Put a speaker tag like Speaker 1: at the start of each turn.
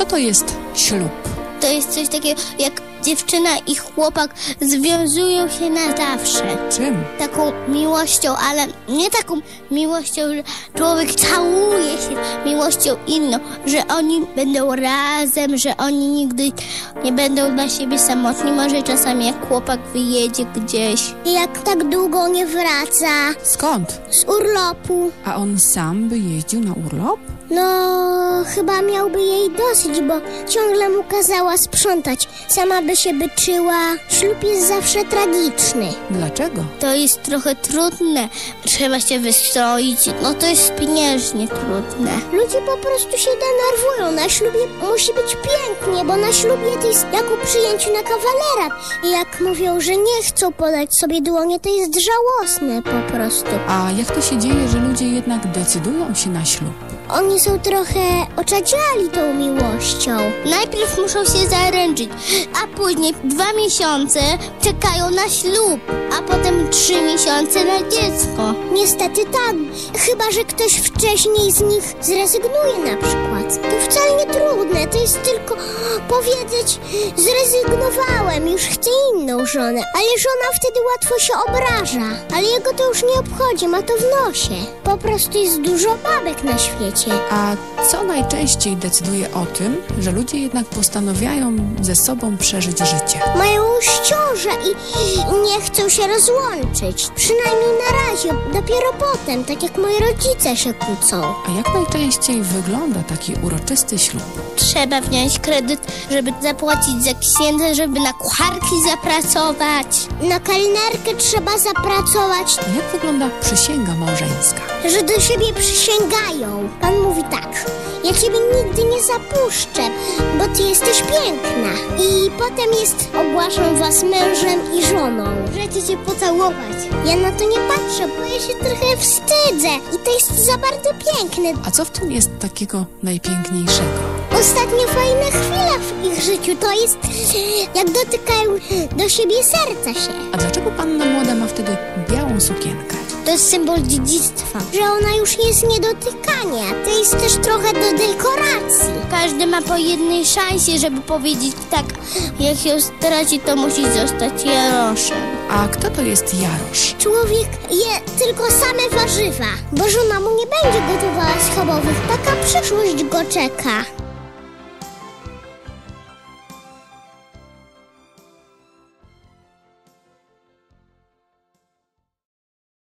Speaker 1: Co to jest ślub?
Speaker 2: To jest coś takiego, jak dziewczyna i chłopak związują się na zawsze.
Speaker 1: Czym?
Speaker 2: Taką miłością, ale nie taką miłością, że człowiek całuje się miłością inną, że oni będą razem, że oni nigdy nie będą dla siebie samotni. Może czasami jak chłopak wyjedzie gdzieś. I jak tak długo nie wraca.
Speaker 1: Skąd?
Speaker 2: Z urlopu.
Speaker 1: A on sam by jeździł na urlop?
Speaker 2: No, chyba miałby jej dosyć, bo ciągle mu kazała sprzątać. Sama by się byczyła. Ślub jest zawsze tragiczny.
Speaker 1: Dlaczego?
Speaker 2: To jest trochę trudne. Trzeba się wystroić. No to jest pieniężnie trudne. Ludzie po prostu się denerwują. Na ślubie musi być pięknie, bo na ślubie to jest jak u przyjęciu na kawalera. I jak mówią, że nie chcą podać sobie dłonie, to jest żałosne po prostu.
Speaker 1: A jak to się dzieje, że ludzie jednak decydują się na ślub?
Speaker 2: Oni są trochę oczadziali tą miłością. Najpierw muszą się zaręczyć, a później 2 miesiące czekają na ślub, a potem 3 miesiące na dziecko. Niestety tak, chyba że ktoś wcześniej z nich zrezygnuje na przykład. To wcale nie trudne, to jest tylko powiedzieć: zrezygnowałem, już chcę inną żonę. Ale żona wtedy łatwo się obraża, ale jego to już nie obchodzi, ma to w nosie. Po prostu jest dużo babek na świecie.
Speaker 1: A co najczęściej decyduje o tym, że ludzie jednak postanawiają ze sobą przeżyć życie?
Speaker 2: Mają ciążę i nie chcą się rozłączyć. Przynajmniej na razie, dopiero potem, tak jak moi rodzice się kłócą.
Speaker 1: A jak najczęściej wygląda taki uroczysty ślub?
Speaker 2: Trzeba wziąć kredyt, żeby zapłacić za księdza, żeby na kucharki zapracować. Na kelnerkę trzeba zapracować.
Speaker 1: Jak wygląda przysięga małżeńska?
Speaker 2: Że do siebie przysięgają. Pan mówi tak: ja ciebie nigdy nie zapuszczę, bo ty jesteś piękna. I potem jest: ogłaszam was mężem i żoną. Możecie się pocałować. Ja na to nie patrzę, bo ja się trochę wstydzę. I to jest za bardzo piękne.
Speaker 1: A co w tym jest takiego najpiękniejszego?
Speaker 2: Ostatnio fajna chwila w ich życiu to jest, jak dotykają do siebie serca się.
Speaker 1: A dlaczego panna młoda ma wtedy białą sukienkę?
Speaker 2: To jest symbol dziedzictwa, że ona już jest nie dotykania. To jest też trochę do dekoracji. Każdy ma po jednej szansie, żeby powiedzieć tak: jak się straci, to musi zostać jaroszem.
Speaker 1: A kto to jest Jarosz?
Speaker 2: Człowiek je tylko same warzywa, bo żona mu nie będzie gotowała schabowych. Taka przyszłość go czeka.